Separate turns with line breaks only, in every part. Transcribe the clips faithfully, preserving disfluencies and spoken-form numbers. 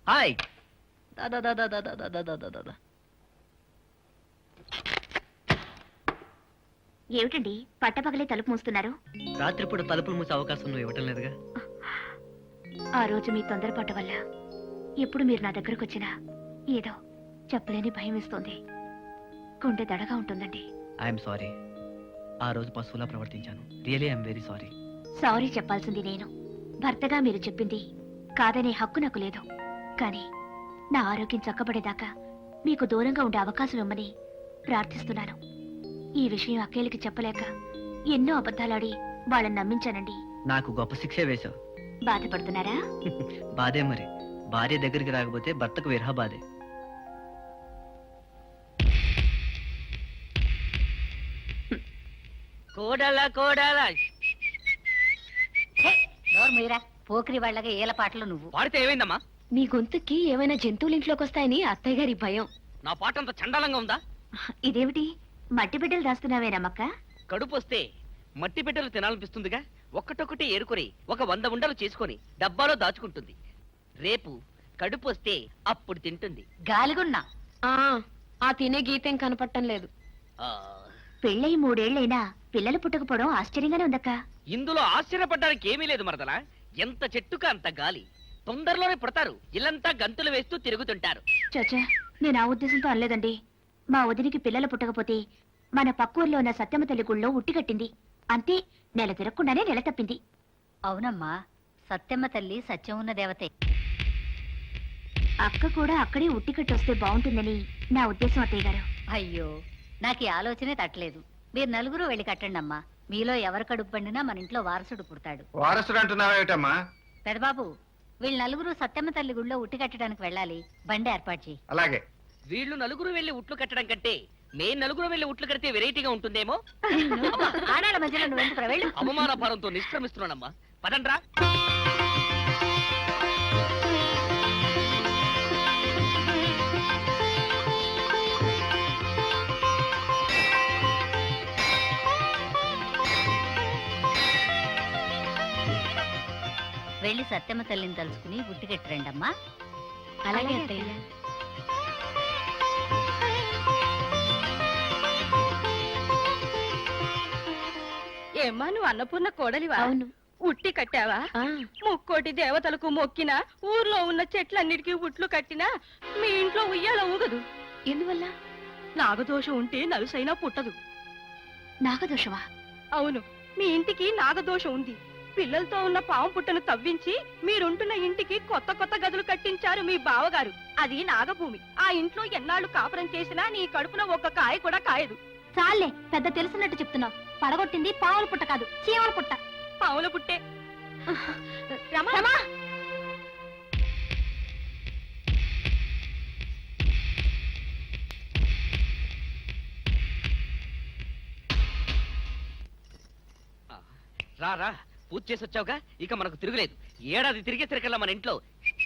Hi. దా దా దా దా దా దా దా దా దా.
ఏమిటండి పట్టపగలే తలుపు మూస్తున్నారు?
రాత్రిపూట తలుపులు మూసే అవకాశం నువ్వు ఇవ్వటం లేదుగా.
ఆ రోజు మీ తొందరపాటు వల్ల ఎప్పుడు మీరు నా దగ్గరకు వచ్చినా ఏదో చెప్పలేని భయం వేస్తోంది. గుండె దడగా ఉంటుందండి.
I'm sorry. ఆ రోజు పశువులా ప్రవర్తించాను. Really I'm very sorry.
Sorry చెప్పాల్సింది నేను. భర్తగా మీరు చెప్పింది కాదనే హక్కు నాకు లేదు. కానీ నా ఆరోగ్యం చక్కబడేదాకా మీకు దూరంగా ఉండే అవకాశం ఇవ్వమని ప్రార్థిస్తున్నాను. ఈ విషయం అక్కేలకి చెప్పలేక ఎన్నో అబద్ధాలాడి వాళ్ళని నమ్మించానండి.
నాకు గొప్ప శిక్షే వేశావు.
బాధపడుతున్నారా?
బాధే మరి. భార్య దగ్గరికి రాకపోతే భర్తకు విరహ బాధే. కోడల కోడల
మీరా పోకిరి వాళ్ళగా ఏల పాటలు నువ్వు
పాడితే ఏమైందమ్మా?
మీ గొంతుకి ఏమైనా జంతువులు ఇంట్లోకి వస్తాయని అత్తయ్య గారి భయం.
నా పాట అంత చండాలంగా ఉందా?
ఇదేమిటి మట్టి బిడ్డలు దాస్తున్నావేనమ్మక్క?
కడుపు వస్తే మట్టి బిడ్డలు తినాలనిపిస్తుందిగా. ఒక్కటొక్కటి ఏరుకొని ఒక వంద ఉండలు చేసుకొని డబ్బాలో దాచుకుంటుంది. రేపు కడుపు వస్తే అప్పుడు తింటుంది.
గాలిగున్నా
ఆ తినే గీతేం కనపడటం లేదు.
ఆ,
పెళ్ళై మూడేళ్లైనా పిల్లలు పుట్టకపోవడం ఆశ్చర్యంగానే ఉందక్క.
ఇందులో ఆశ్చర్యపడ్డానికి ఏమీ లేదు మరదలా. ఎంత చెట్టుగా అంత గాలి. తొందరలోనే పుడతారు. ఇల్లంతా గంతులు వేస్తూ తిరుగుతుంటారు.
చచ్చా, నేను ఆ ఉద్దేశంతో అనలేదండి. మా వదినికి పిల్లలు పుట్టకపోతే మన పక్కూర్లో ఉన్న సత్యమ్మ తల్లి గుళ్ళో ఉట్టి కట్టింది. అంతే, నెల తిరగకుండానే నెల తప్పింది.
అవునమ్మా, సత్యమ్మ తల్లి సత్యం ఉన్న దేవతే.
అక్క కూడా అక్కడే ఉట్టి కట్టొస్తే బాగుంటుందని నా ఉద్దేశం అత్తయ్య గారు.
అయ్యో, నాకు ఈ ఆలోచనే తట్టలేదు. మీరు నలుగురు వెళ్ళి కట్టండి అమ్మా. మీలో ఎవరు కడుపు పండినా మన ఇంట్లో వారసుడు పుడతాడు.
వారసుడు అంటున్నావేటమ్మా?
పెదబాబు, వీళ్ళు నలుగురు సత్యమ్మ తల్లి గుళ్ళో ఉట్టి కట్టడానికి వెళ్ళాలి. బండి ఏర్పాటు చేయి.
అలాగే.
వీళ్ళు నలుగురు వెళ్లి ఉట్లు కట్టడం కంటే నేను నలుగురు వెళ్లి ఉట్లు కడితే వెరైటీగా ఉంటుందేమో.
ఆడాళ్ళ మధ్యలో నువ్వు ఎందుకు వెళ్ళు?
అవమాన భారంతో నిష్క్రమిస్తున్నానమ్మా. పదండ్రా.
వెళ్ళి సత్యమ్మ తల్లిని తలుచుకుని ఉట్టి కట్టిరండి అమ్మా.
అలాగే అత్తయ్య.
ఏమ్మా, నువ్వు అన్నపూర్ణ కోడలివా?
అవును.
ఉట్టి కట్టావా? ముక్కోటి దేవతలకు మొక్కినా, ఊర్లో ఉన్న చెట్లన్నిటికీ ఉట్లు కట్టినా మీ ఇంట్లో ఉయ్యాల ఊగదు.
ఎందువల్ల?
నాగదోషం ఉంటే నలుసైనా పుట్టదు.
నాగదోషమా?
అవును, మీ ఇంటికి నాగదోషం ఉంది. పిల్లలతో ఉన్న పాము పుట్టను తవ్వించి మీరుంటున్న ఇంటికి కొత్త కొత్త గదులు కట్టించారు మీ బావగారు. అది నాగభూమి. ఆ ఇంట్లో ఎన్నాళ్ళు కాపురం చేసినా నీ కడుపున ఒక్క కాయ కూడా కాయదు.
చాలే, పెద్ద తెలుసున్నట్టు చెప్తున్నావు. పడగొట్టింది పావుల పుట్ట కాదు, చీమల పుట్ట.
పాముల పుట్టే.
రమా,
రా రా, పూజ చేసి వచ్చావుగా, ఇక మనకు తిరుగులేదు. ఏడాది తిరిగే తిరగల మన ఇంట్లో.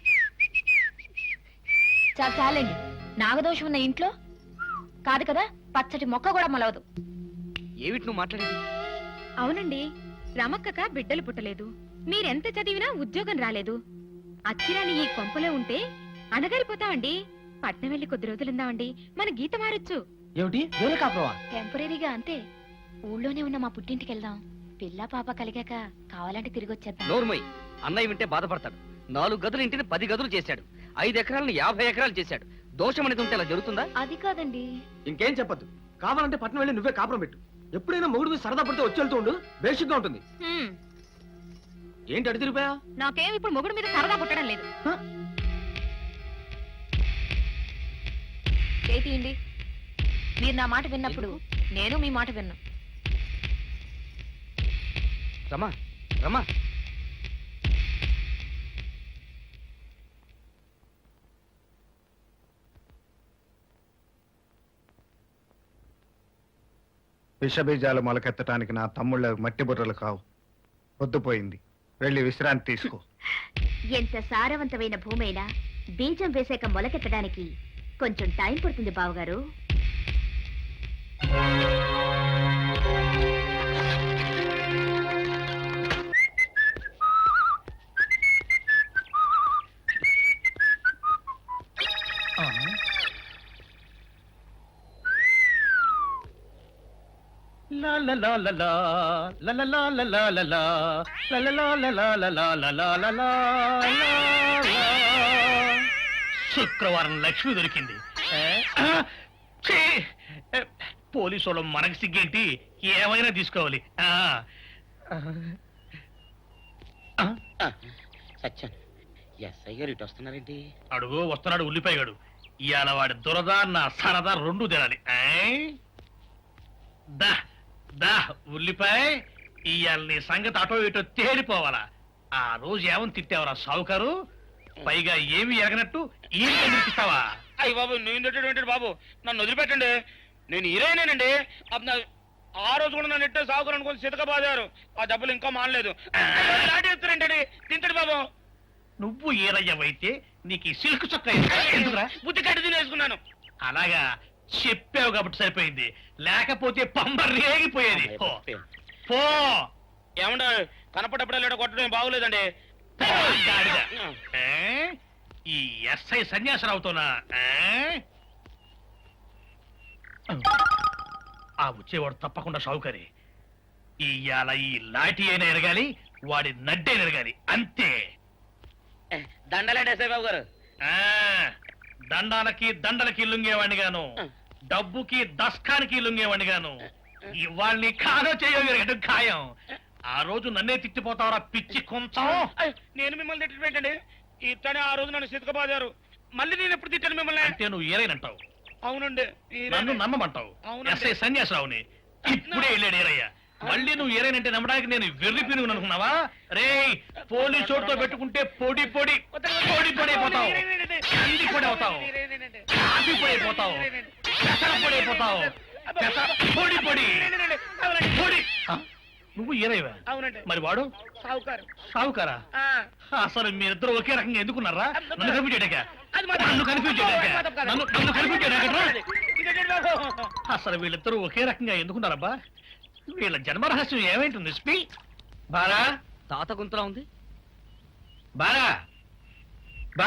చాలా చాలండి. నాగదోషం ఉన్న ఇంట్లో కాదు కదా పచ్చటి మొక్క కూడా మొలవదు.
ఏమిటి నువ్వు మాట్లాడేది?
అవునండి, రమక్కక బిడ్డలు పుట్టలేదు. మీరెంత చదివినా ఉద్యోగం రాలేదు. అచ్చిరాని ఈ కొంపలో ఉంటే అణగారిపోతామండి. పట్నం వెళ్ళి కొద్ది రోజులుందామండి, మన గీత మారొచ్చు.
ఏమిటి వేరే కాపురమా?
టెంపరీగా అంతే. ఊళ్ళోనే ఉన్న మా పుట్టింటికి వెళ్దాం. పిల్ల పాప కలిగాక కావాలంటే తిరిగి వచ్చేద్దాం.
నోర్మయ్, అన్నయ్య వింటే బాధపడతాడు. నాలుగు గదులు ఇంటిని పది గదులు చేశాడు. ఐదు ఎకరాలను యాభై ఎకరాలు చేశాడు. దోషం అనేది ఉంటే అలా జరుగుతుందా?
అది కాదండి.
ఇంకేం చెప్పద్దు. కావాలంటే పట్నం వెళ్ళి నువ్వే కాపురం పెట్టు. ఎప్పుడైనా మొగుడు మీద సరదా పడితే వచ్చి వెళ్తూ ఉండు. బేసిక్ గా ఉంటుంది. ఏంటి అడి తిరిగిపోయా?
నాకేం ఇప్పుడు మొగుడు మీద సరదా పుట్టడం లేదు.
చేతియండి. మీరు నా మాట విన్నప్పుడు నేను మీ మాట విన్నా.
రమా రమా,
విషబీజాలు మొలకెత్తటానికి నా తమ్ముళ్ళ మట్టి బుర్రలు కావు. పొద్దుపోయింది, వెళ్ళి విశ్రాంతి తీసుకో.
ఎంత సారవంతమైన భూమైనా బీజం వేసాక మొలకెత్తడానికి కొంచెం టైం పడుతుంది బావగారు.
లా లా లా లా, లా లా లా లా లా లా లా, లా లా లా లా లా లా లా లా లా లా లా లా. శుక్రవారం లక్ష్మి దొరికింది. ఏ? ఆ! ఛీ! ఏ, పోలీసు వాళ్ళు మనకి సిగ్గేంటి, ఏమైనా తీసుకోవాలి. ఆ. ఆ.
సత్యం ఎస్ఐ గారు ఇటు వస్తున్నారేంటి?
అడుగు వస్తున్నాడు ఉల్లిపాయగాడు. ఇవాళ వాడి దురద నా సరదా రెండు తినాలి. ఏయ్? దా దా ఉల్లిపాయ, ఇవాళ నీ సంగతి అటో ఇటో తేలిపోవాలా. ఆ రోజు ఏమని తిట్టావరా సావుకారు, పైగా ఏమి ఎరగనట్టు ఈ ఇస్తావా?
అయ్యి బాబు నేను తిట్టేటువంటి బాబు, నన్ను వదిలిపెట్టండి. నేను హీరోయినేనండి. అప్పుడు నా- ఆ రోజు కూడా నన్ను ఎట్టే సాగుకుని అనుకుని సితక బాదారు. ఆ డబ్బులు ఇంకా మానలేదు. దాటేస్తారంటండి. తింటాడు బాబు.
నువ్వు ఏరయ్యవైతే నీకు ఈ సిల్క్ చొక్క ఎందుకురా?
బుద్ధి కట్టి తినేసుకున్నాను.
అలాగా చెప్పావు కాబట్టి సరిపోయింది, లేకపోతే పంబ రేగిపోయేది. పో. పో
ఏమంటే కనపడప్పుడే లేడ కొట్టడం బాగోలేదండి.
గాడిద. ఏ? ఈ ఎస్ఐ సన్యాసరావుతోనా? ఏ? ఆ వచ్చేవాడు తప్పకుండా షావుకరి. ఇవాళ ఈ లాఠీ అయినా ఎరగాలి, వాడి నడ్డైనా ఎరగాలి, అంతే.
దండలేండి ఎస్ఐ బాబు గారు.
ఆ దండాలకి దండలకి లొంగేవాడిని గాను, డబ్బుకి దస్కానికి లొంగేవాడిని గాను. ఇవాళ్ళని కాదో చేయగలిగడం ఖాయం. ఆ రోజు నన్నే తిట్టిపోతావరా పిచ్చి కొంచెం.
అయ్, నేను మిమ్మల్ని తిట్టడం ఏంటండి? ఇతనే ఆ రోజు నన్ను సితక బాదారు. మళ్ళీ నేను ఎప్పుడు తిట్టాను మిమ్మల్ని?
అంటే నువ్వు ఏరైనంటావు,
అవునండి.
నన్ను నమ్మమంటావు.
అవునండి.
ఎస్ఐ సన్యాసరావుని ఇప్పుడే వెళ్ళాడు ఏరయ్య. మళ్ళీ నువ్వు ఏరైనంటే నమ్మడానికి నేను వెర్రి పినుగును అనుకున్నావా? రే పోలీసు చోటుతో పెట్టుకుంటే పొడి పొడి పొడి పొడి అయిపోతావు, కంది పొడి అవుతావు, కాఫీ పొడి అయిపోతావు, పెసర పొడి అయిపోతావు, పెసర పొడి పొడి పొడి. ఆ? నువ్వు ఏరైవా?
అవునండి.
మరి వాడు
సావుకారు.
సావుకారా?
ఆ.
అసలు మీరిద్దరు ఒకే రకంగా ఎందుకున్నారా? నన్ను కన్ఫ్యూజ్ చేయడాక
అది మాత్రం-
నన్ను కన్ఫ్యూజ్ చేయడాక
మాత్రం కాదు.
నన్ను నన్ను కన్ఫ్యూజ్ చేయడాక
ఇదేంటి బాబు?
అసలు వీళ్ళిద్దరూ ఒకే రకంగా ఎందుకున్నారబ్బా? వీళ్ళ జన్మరహస్యం ఏమైంటుంది? స్పీ బారా
తాత గుంతలా ఉంది.
బారా బా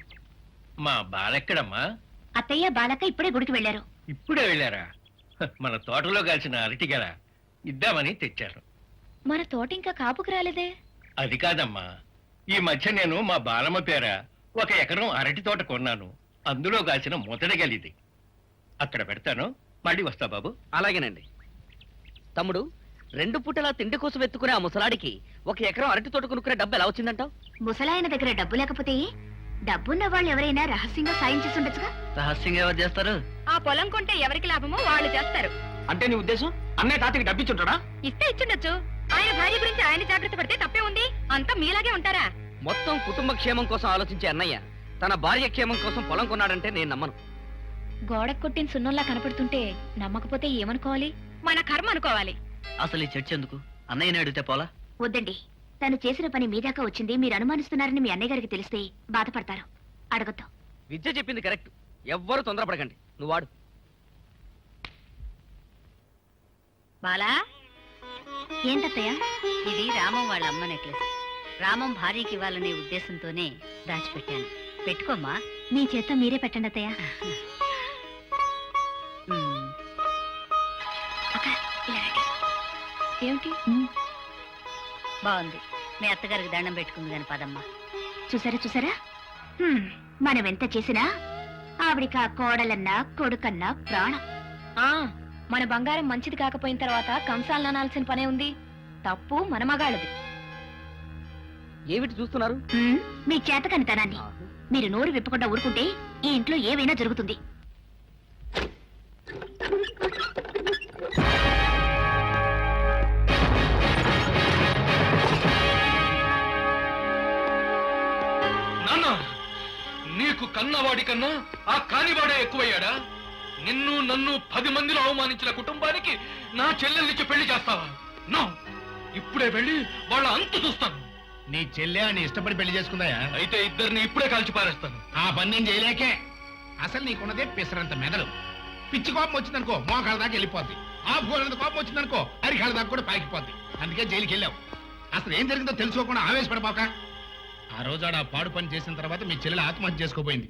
మా బాలెక్కడమ్మా?
అత్తయ్య బాలక ఇప్పుడే గుడికి వెళ్ళారు.
ఇప్పుడే వెళ్ళారా? హ, మన తోటలో కాల్చిన అరటిగల ఇద్దామని తెచ్చారు.
మన తోట ఇంకా కాపుకు రాలేదే.
అది కాదమ్మా, ఈ మధ్య నేను మా బాలమ్మ పేర ఒక ఎకరం అరటి తోట కొన్నాను. అందులో కాల్చిన మొదటిగలిది. అక్కడ పెడతాను, మళ్ళీ వస్తా బాబు.
అలాగేనండి. తమ్ముడు, రెండు పూటలా తిండి కోసం ఎత్తుకునే ఆ ముసలాడికి ఒక ఎకరం అరటి తోట కొనుక్కునే డబ్బు ఎలా వచ్చిందంటావు?
ముసలాయన దగ్గర డబ్బు లేకపోతే డబ్బున్న వాళ్ళు ఎవరైనా రహస్యంగా సాయం చేసి ఉండొచ్చుగా.
రహస్యంగా ఎవరు చేస్తారు?
ఆ పొలం కొంటే ఎవరికి లాభమో వాళ్ళు చేస్తారు.
అంటే నీ ఉద్దేశం అన్నయ్య తాతకి డబ్బిచ్చుంటాడా?
ఇస్తే ఇచ్చుండొచ్చు. ఆయన భార్య గురించి ఆయన జాగ్రత్త పడితే తప్పే ఉంది. అంతా మీలాగే ఉంటారా?
మొత్తం కుటుంబ క్షేమం కోసం ఆలోచించే అన్నయ్య తన భార్య క్షేమం కోసం పొలం కొన్నాడంటే నేను నమ్మను.
గోడకు కొట్టిన సున్నంలా కనపడుతుంటే నమ్మకపోతే ఏమనుకోవాలి?
మన కర్మ అనుకోవాలి.
అసలు ఈ చర్చ ఎందుకు? అన్నయ్యని అడిగితే పోలా?
వద్దండి, తను చేసిన పని మీ దాకా వచ్చింది మీరు అనుమానిస్తున్నారని మీ అన్నయ్య గారికి తెలిస్తే బాధపడతారు. అడగద్దు.
విద్య చెప్పింది కరెక్ట్. ఎవ్వరు తొందరపడకండి. నువ్వు వాడు.
బాలా,
ఏంటత్తయ్య?
ఇది రామం వాళ్ళ అమ్మ నెక్లెస్. రామం భార్యకి ఇవ్వాలనే ఉద్దేశంతోనే దాచిపెట్టాను. పెట్టుకోమ్మా.
మీ చేత మీరే పెట్టండి అత్తయ్య.
ఉమ్.
అక్క, ఇలా రండి. ఏమిటి?
బాగుంది. మీ అత్తగారికి దండం పెట్టుకుంది కాని పదమ్మా.
చూసారా చూసారా, హ్మ్, మనం ఎంత చేసినా ఆవిడికి ఆ కోడలన్నా కొడుకన్నా ప్రాణం. ఆ మన బంగారం మంచిది కాకపోయిన తర్వాత కంసాలను అనాల్సిన పనే ఉంది. తప్పు మన మగాళ్ళది.
ఏమిటి చూస్తున్నారు?
హ్మ్, మీ చేతకనితనాన్ని. మీరు నోరు విప్పకుండా ఊరుకుంటే ఈ ఇంట్లో ఏవైనా జరుగుతుంది.
నాన్న, నీకు కన్నవాడి కన్నా ఆ కానివాడే ఎక్కువయ్యాడా? నిన్ను నన్ను పది మందిలో అవమానించిన కుటుంబానికి నా చెల్లెల్నిచ్చి పెళ్లి చేస్తావా? నో, ఇప్పుడే వెళ్ళి వాళ్ళ అంతు చూస్తాను.
నీ చెల్లె అని ఇష్టపడి పెళ్లి చేసుకుందాయా?
అయితే ఇద్దరిని ఇప్పుడే కాల్చి పారేస్తాను.
ఆ పని నేను చేయలేకే. అసలు నీకున్నదే పిసరంత మెదడు. పిచ్చి కోపం వచ్చిందనుకో మోకాళ్ళ దాకా వెళ్ళిపోద్ది. ఆ భూలంత కోపం వచ్చిందనుకో అరికాళ్ళ దాకా కూడా పాకిపోద్ది. అందుకే జైలుకి వెళ్ళావు. అసలు ఏం జరిగిందో తెలుసుకోకుండా ఆవేశపడపాక. ఆ రోజు ఆడ ఆ పాడు పని చేసిన తర్వాత మీ చెల్లెలు ఆత్మహత్య చేసుకోపోయింది.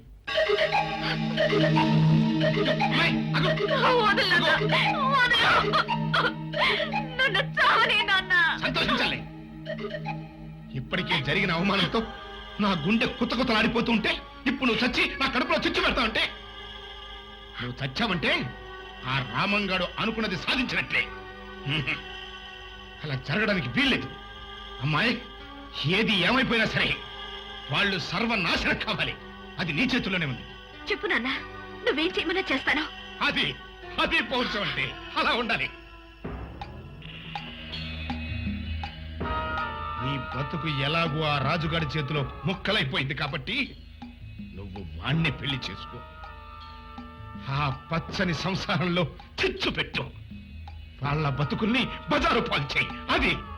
అమ్మాయి, అగు. అగు.
నన్ను చావనే నాన్న.
సంతోషించాలి. ఇప్పటికే జరిగిన అవమానంతో నా గుండె కుత్త కుత్తలాడిపోతూ ఉంటే ఇప్పుడు నువ్వు చచ్చి నా కడుపులో చిచ్చు పెడతా ఉంటే నువ్వు చచ్చావంటే ఆ రామంగాడు అనుకున్నది సాధించినట్లే. హ్మ్. అలా జరగడానికి వీల్లేదు. అమ్మాయి, ఏది ఏమైపోయినా సరే వాళ్ళు సర్వనాశనం కావాలి. అది నీ చేతుల్లోనే ఉంది.
చెప్పు నాన్న, నువ్వేం చేయమన్నా చేస్తాను.
అది అది పౌరుషం అంటే అలా ఉండాలి. నీ బతుకు ఎలాగూ ఆ రాజుగాడి చేతిలో ముక్కలైపోయింది కాబట్టి నువ్వు వాణ్ణి పెళ్లి చేసుకో. ఆ పచ్చని సంసారంలో చిచ్చు పెట్టు. వాళ్ళ బతుకుల్ని బజారు పాలు చేయి. అది